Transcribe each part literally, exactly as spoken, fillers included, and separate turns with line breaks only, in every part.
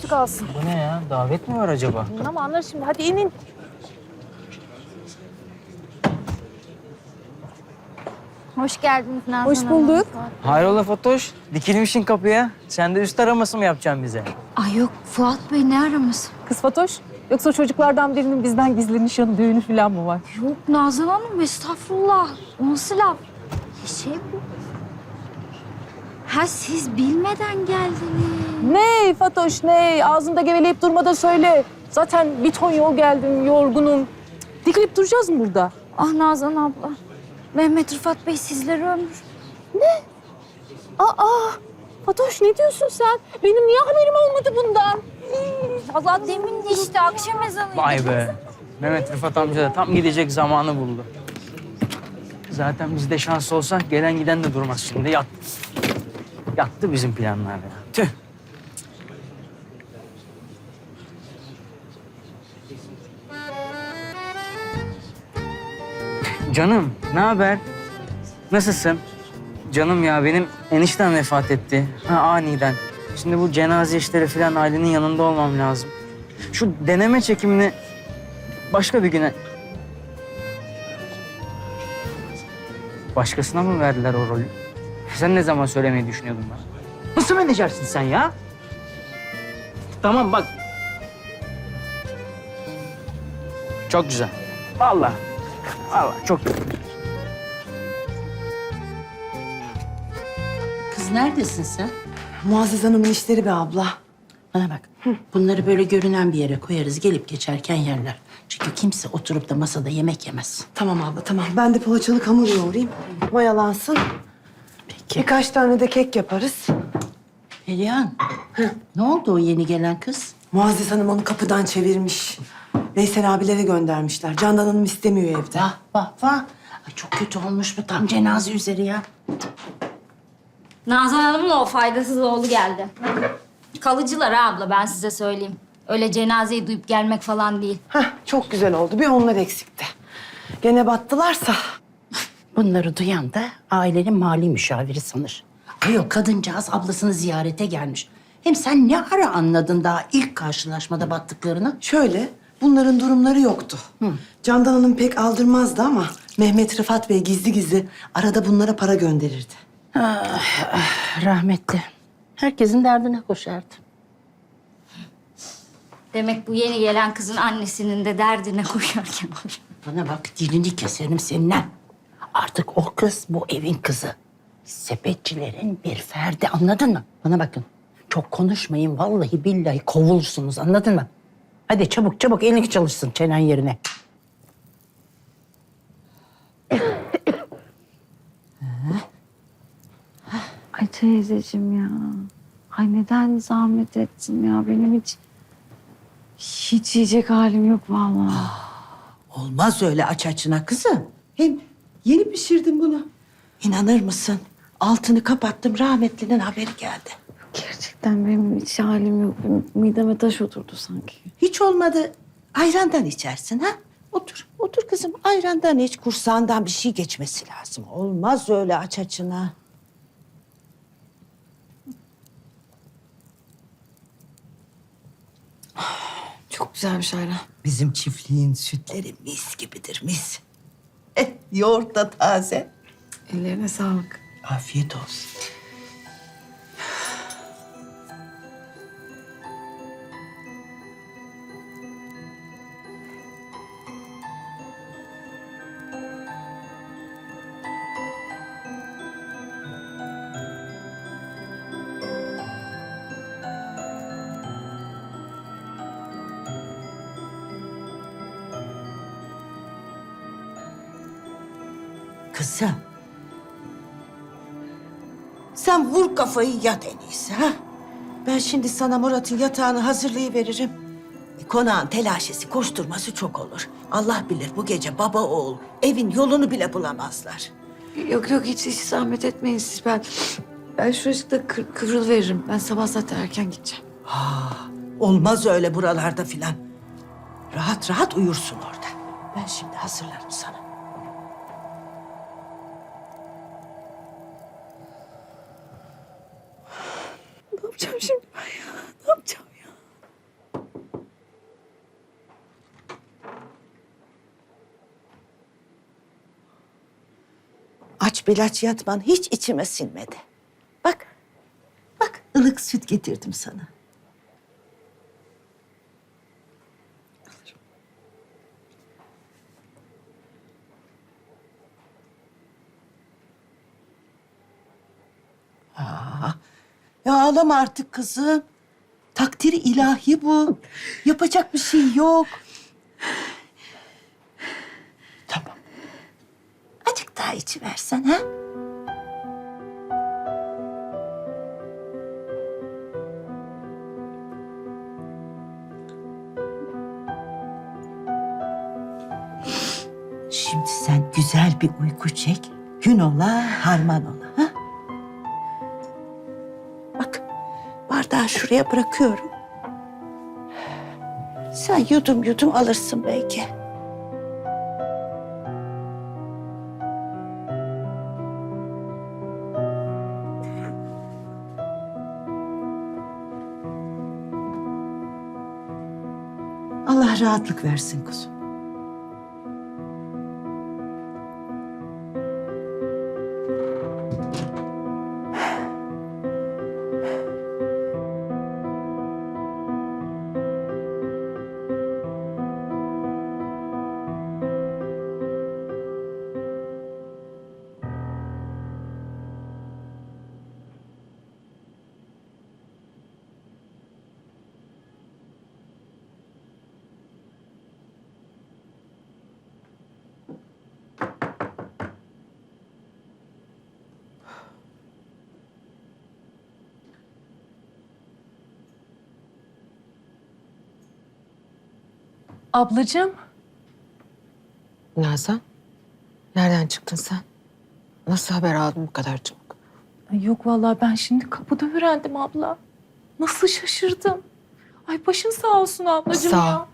kalsın.
Bu ne ya? Davet mi var acaba?
Ama anlar şimdi. Hadi inin.
Hoş geldiniz Nazan
Hoş
Hanım.
bulduk.
Hayrola Fatoş? Dikilmişsin kapıya. Sen de üst araması mı yapacaksın bize?
Ay yok Fuat Bey ne araması?
Kız Fatoş. Yoksa çocuklardan birinin bizden gizli nişanı, düğünü falan mı var?
Yok Nazan Hanım estağfurullah. O nasıl laf? Şey bu. Ha siz bilmeden geldiniz.
Ne Fatoş ne? Ağzında geveleyip durma da söyle. Zaten bir ton yol geldim, yorgunum. Dikilip duracağız mı burada?
Ah Nazan abla. Mehmet Rıfat Bey sizleri ömür.
Aa, Fatoş ne diyorsun sen? Benim niye haberim olmadı bundan?
Allah demin de işte akşam ezanıydı.
Vay be. Mehmet Rıfat amca da tam gidecek zamanı buldu. Zaten bizde şans olsa gelen giden de durmaz şimdi. Yattı. Yattı bizim planlar ya. Tüh. Canım, ne haber? Nasılsın? Canım ya benim eniştem vefat etti. Ha, aniden. Şimdi bu cenaze işleri falan ailenin yanında olmam lazım. Şu deneme çekimini başka bir güne... Başkasına mı verdiler o rolü? Sen ne zaman söylemeyi düşünüyordun bana? Nasıl menajersin sen ya? Tamam bak. Çok güzel. Vallahi. Vallahi çok güzel.
Kız neredesin sen?
Muazzez Hanım'ın işleri be abla.
Bana bak. Bunları böyle görünen bir yere koyarız. Gelip geçerken yerler. Çünkü kimse oturup da masada yemek yemez.
Tamam abla tamam. Ben de poğaçalık hamur yoğurayım. Mayalansın.
Peki.
Birkaç tane de kek yaparız.
Perihan. Ne oldu o yeni gelen kız?
Muazzez Hanım onu kapıdan çevirmiş. Veysel abilere göndermişler. Candan Hanım istemiyor evde.
Vah vah vah. Ay çok kötü olmuş bu tam cenaze üzeri ya.
Nazan Hanım'la o faydasız oğlu geldi. Kalıcılar ha abla ben size söyleyeyim. Öyle cenazeyi duyup gelmek falan değil.
Heh, çok güzel oldu. Bir onlar eksikti. Gene battılarsa.
Bunları duyan da ailenin mali müşaviri sanır. Ay o kadıncağız ablasını ziyarete gelmiş. Hem sen ne ara anladın daha ilk karşılaşmada battıklarını?
Şöyle, bunların durumları yoktu. Candan Hanım pek aldırmazdı ama Mehmet Rıfat Bey gizli gizli arada bunlara para gönderirdi.
Rahmetli. Herkesin derdine koşardı.
Demek bu yeni gelen kızın annesinin de derdine koşarken koşar.
Bana bak dilini keserim seninle. Artık o kız bu evin kızı. Sepetçilerin bir ferdi anladın mı? Bana bakın. Çok konuşmayın vallahi billahi kovulursunuz anladın mı? Hadi çabuk çabuk elini çalışsın çenen yerine.
Ay teyzeciğim ya. Ay neden zahmet ettin ya? Benim hiç hiç yiyecek halim yok vallahi.
Olmaz öyle aç açına kızım. Hem yeni pişirdim bunu. İnanır mısın? Altını kapattım, rahmetlinin haberi geldi.
Gerçekten benim hiç halim yok. Benim mideme taş oturdu sanki.
Hiç olmadı ayrandan içersin ha? Otur, otur kızım. Ayrandan iç, kursağından bir şey geçmesi lazım. Olmaz öyle aç açına.
Çok güzelmiş ayran.
Bizim çiftliğin sütleri mis gibidir, mis. Eh, yoğurt da taze.
Ellerine sağlık.
Afiyet olsun. Kızım. Sen vur kafayı yat en iyisi ha. Ben şimdi sana Murat'ın yatağını hazırlayıveririm. E, konağın telaşesi, koşturması çok olur. Allah bilir bu gece baba oğul evin yolunu bile bulamazlar.
Yok yok hiç hiç zahmet etmeyin siz. Ben ben şuracıkta kır, kıvrıl veririm. Ben sabah zaten erken gideceğim.
Olmaz öyle buralarda filan. Rahat rahat uyursun orada. Ben şimdi hazırlarım sana.
Ne yapacağım şimdi ben ya? Ne yapacağım ya?
ilaç bilaç yatman hiç içime sinmedi. Bak, bak ılık süt getirdim sana. Aa, ya ağlama artık kızım. Takdiri ilahi bu. Yapacak bir şey yok. Tamam. Azıcık daha içiversen ha? Şimdi sen güzel bir uyku çek. Gün ola, harman ola. Ha? Bak, bardağı şuraya bırakıyorum. Sen yudum yudum alırsın belki. Allah rahatlık versin kuzum.
Ablacığım.
Nazan, nereden çıktın sen? Nasıl haber aldın bu kadar çabuk?
Ay yok vallahi ben şimdi kapıda öğrendim abla. Nasıl şaşırdım. Ay başın sağ olsun ablacığım
Sağ ol.
ya.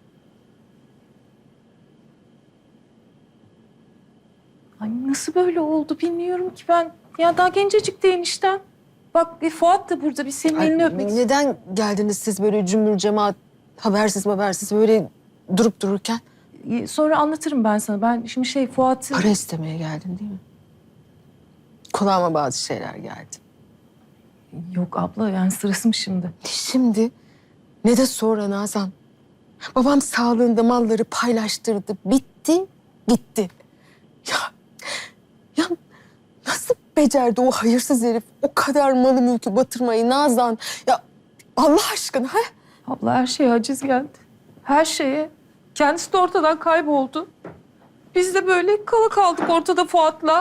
Ay nasıl böyle oldu bilmiyorum ki ben. Ya daha gencecik de eniştem. Bak e, Fuat da burada bir senin
Ay,
elini öpmek istiyor.
neden geldiniz siz böyle cümbür cemaat, habersiz habersiz böyle durup dururken?
E, Sonra anlatırım ben sana. Ben şimdi şey Fuat'ı...
Para istemeye geldin değil mi? Kulağıma bazı şeyler geldi.
Yok abla yani sırası mı şimdi?
Şimdi ne de sonra Nazan. Babam sağlığında malları paylaştırdı. Bitti, gitti. Ya, ya nasıl becerdi o hayırsız herif o kadar malı mülkü batırmayı Nazan? Ya Allah aşkına ha?
Abla her şeye aciz geldi. Her şeye. Kendisi de ortadan kayboldu. Biz de böyle kala kaldık ortada Fuat'la.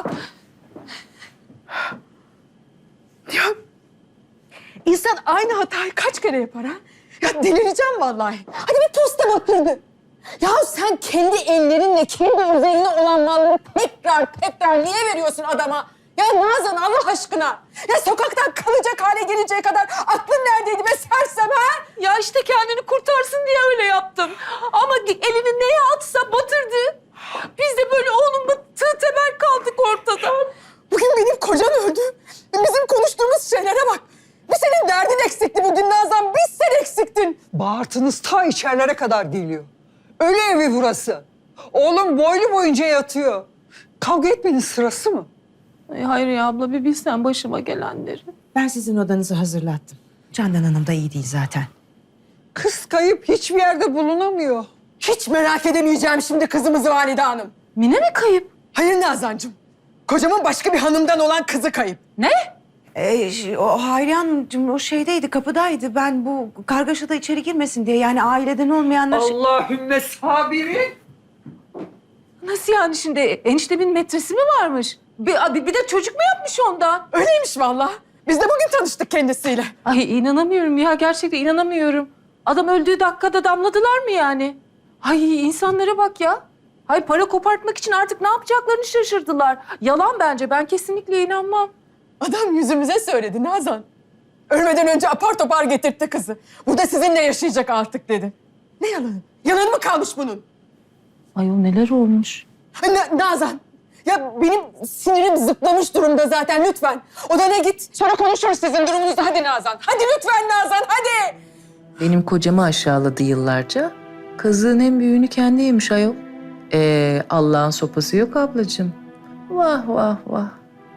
Ya insan aynı hatayı kaç kere yapar ha? Ya delireceğim vallahi. Hadi bir posta batırdı. Ya sen kendi ellerinle kendi üzerine olan malları tekrar tekrar niye veriyorsun adama? Ya Nazan Allah aşkına. Ya sokaktan kalacak hale geleceği kadar aklın neredeydi be sersem ha?
Ya işte kendini kurtarsın diye öyle yaptım. Ama elini neye atsa batırdı. Biz de böyle oğlumla tığ temel kaldık ortada.
Bugün benim kocam öldü. Bizim konuştuğumuz şeylere bak. Bir senin derdin eksikti bugün Nazan. Biz sen eksiktin.
Bağırtınız ta içerilere kadar geliyor. Ölü evi burası. Oğlum boylu boyunca yatıyor. Kavga etmenin sırası mı?
Ay hayır ya abla bir bilsen başıma gelenleri.
Ben sizin odanızı hazırlattım. Candan Hanım da iyi değil zaten.
Kız kayıp hiçbir yerde bulunamıyor.
Hiç merak edemeyeceğim şimdi kızımızı Valide Hanım.
Mine mi kayıp?
Hayır Nazancığım. Kocamın başka bir hanımdan olan kızı kayıp.
Ne?
Ee, ş- o Hayriye Hanımcığım o şeydeydi, kapıdaydı. Ben bu kargaşada içeri girmesin diye yani aileden olmayanlar...
Allahümme sabirin.
Nasıl yani şimdi eniştemin metresi mi varmış? Bir, bir de çocuk mu yapmış ondan?
Öyleymiş vallahi. Biz de bugün tanıştık kendisiyle.
Ay inanamıyorum ya gerçekten inanamıyorum. Adam öldüğü dakikada damladılar mı yani? Ay insanlara bak ya. Ay para kopartmak için artık ne yapacaklarını şaşırdılar. Yalan bence ben kesinlikle inanmam.
Adam yüzümüze söyledi Nazan. Ölmeden önce apar topar getirtti kızı. Burada sizinle yaşayacak artık dedi. Ne yalanı? Yalan mı kalmış bunun?
Ay o neler olmuş?
Na- Nazan. Ya benim sinirim zıplamış durumda zaten lütfen. Odana git. Sonra konuşuruz sizin durumunuzu. Hadi Nazan. Hadi lütfen Nazan hadi.
Benim kocamı aşağıladı yıllarca. Kazığın en büyüğünü kendi yemiş ayol. Ee, Allah'ın sopası yok ablacığım. Vah vah vah.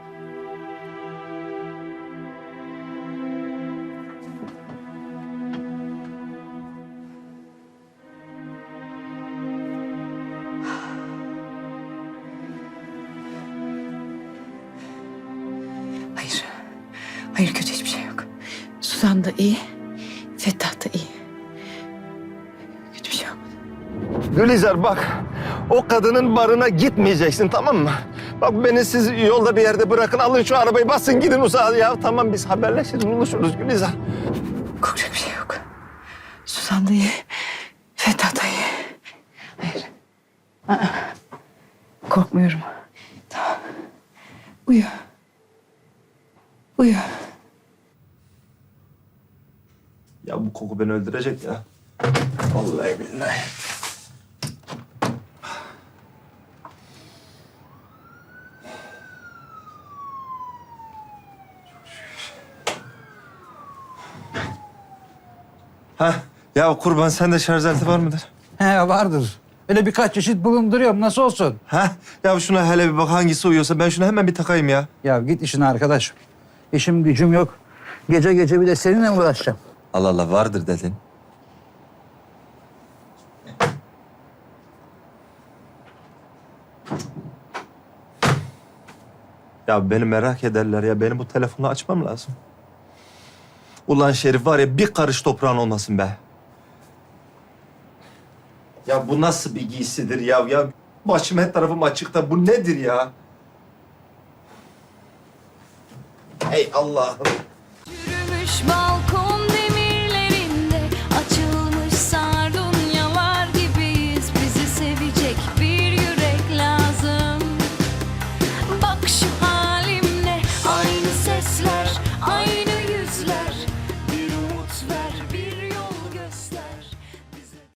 Hayır. Hayır, kötü hiçbir şey yok. Suzan da iyi. Fettah da iyi. Kötü bir şey olmadı.
Gülizar bak, o kadının barına gitmeyeceksin, tamam mı? Bak beni siz yolda bir yerde bırakın, alın şu arabayı basın gidin uzağa ya. Tamam biz haberleşiriz, buluşuruz Gülizar.
Korkacak bir şey yok. Suzan da iyi. Fettah da iyi. Hayır. Aa, korkmuyorum. Tamam. Uyu. Uyu.
Ya bu koku beni öldürecek ya. Vallahi billahi. Ha, ya kurban sende şarj aleti var mıdır?
He vardır. Öyle birkaç çeşit bulunduruyorum. Nasıl olsun?
Ha, ya şuna hele bir bak hangisi uyuyorsa ben şunu hemen bir takayım ya.
Ya git işine arkadaş. İşim gücüm yok. Gece gece bir de seninle mi uğraşacağım?
Allah Allah vardır dedin. Ya beni merak ederler ya. Benim bu telefonu açmam lazım. Ulan Şerif var ya bir karış toprağın olmasın be. Ya bu nasıl bir giysidir ya? Ya başım her tarafım açıkta. Bu nedir ya? Ey Allah'ım.
Yürümüş balkon